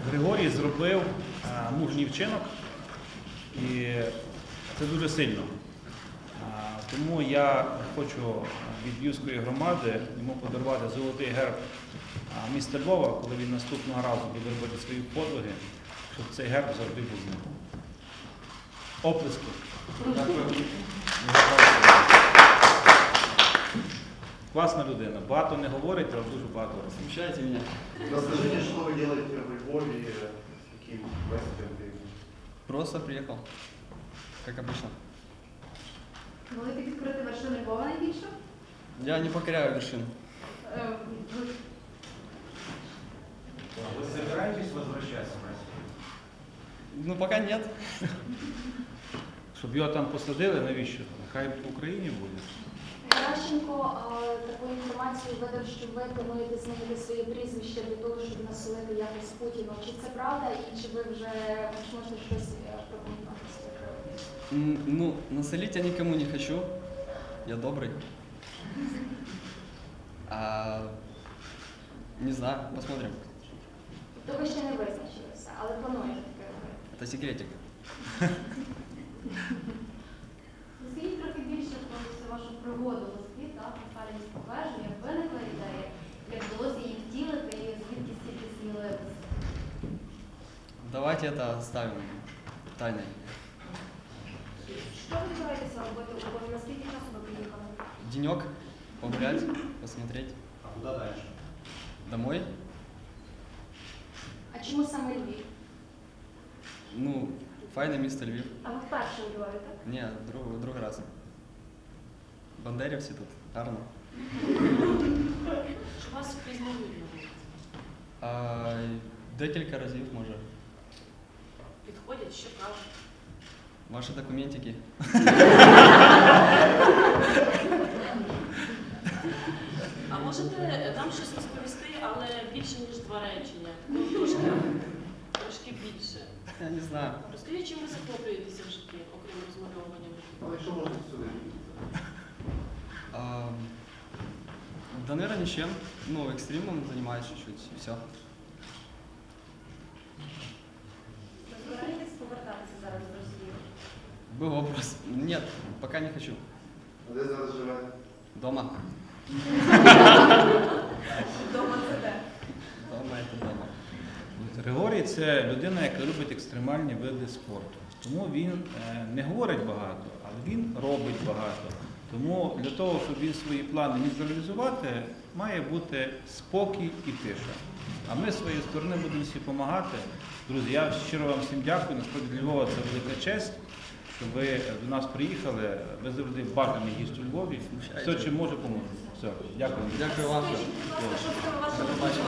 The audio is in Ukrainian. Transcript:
Григорій зробив мужній вчинок, і це дуже сильно. Тому я хочу від Львівської громади йому подарувати золотий герб міста Львова, коли він наступного разу буде робити свої подвиги, щоб цей герб завжди був з ним. Оплески. Класна людина. Багато не говорить, але дуже багато розуміє. Смущаете меня? Расскажите, что вы делаете в Львове, какие гости? Просто приехал, как обычно. Велике відкрити вершини Львова найбільше? Я не покоряю вершин. Ви збираєтесь возвращатися в Росію? Ну, пока нет. Щоб його там посадили, навіщо? Хай в Україні буде. Геращенко таку інформацію видав, що ви плануєте змінити своє прізвище для того, щоб насолити якось Путіну. Чи це правда і чи ви вже можете щось прокоментувати з цього приводу? Ну, насолить я никому не хочу. Я добрый. Не знаю, посмотрим. Тобто ви ще не визначилися, але плануєте таке робити? Это секретик. Розкажіть трохи більше про цю вашу пригоду в Москві, так, на Сталінському вежу, як виникла ідея, як вдалося її втілити і звідки стільки сміливості? Давайте это оставим тайной. Що ви збираєтеся робити у Львові? Наскільки часу ви приїхали? Денек погулять, посмотреть. А куда дальше? Домой. А чому саме Львів? Ну, файне місто Львів. А ви вперше у Львові, так? Ні, другий раз. Бандерівці тут, гарно. Що вас впізнають? Декілька разів, може. Підходять, що кажуть. Ваші документики. А можете нам щось розповісти, але більше, ніж 2 речення? Ну, трошки більше. Я не знаю. Розкажіть, чим ви захоплюєтеся в житті, окрім розмальовування? Ну, что можно сюда? Да, наверное, ничем. Ну, экстримом занимаюсь чуть-чуть, и все. Ви збираєтесь повертатися зараз в Росію? Был вопрос. Нет, пока не хочу. А де зараз живете? Дома. Вдома це де? Дома это дома. Григорій – це людина, яка любить екстремальні види спорту. Тому він не говорить багато, але він робить багато. Тому для того, щоб він свої плани міг реалізувати, має бути спокій і тиша. А ми з своєї сторони будемо всі допомагати. Друзі, я щиро вам всім дякую. Насправді для Львова це велика честь, що ви до нас приїхали. Ви завжди бажаний гість у Львові. Все, чим може, поможе. Все, дякую. Дякую вам. Скажіть, будь ласка, що це у вас До побачення.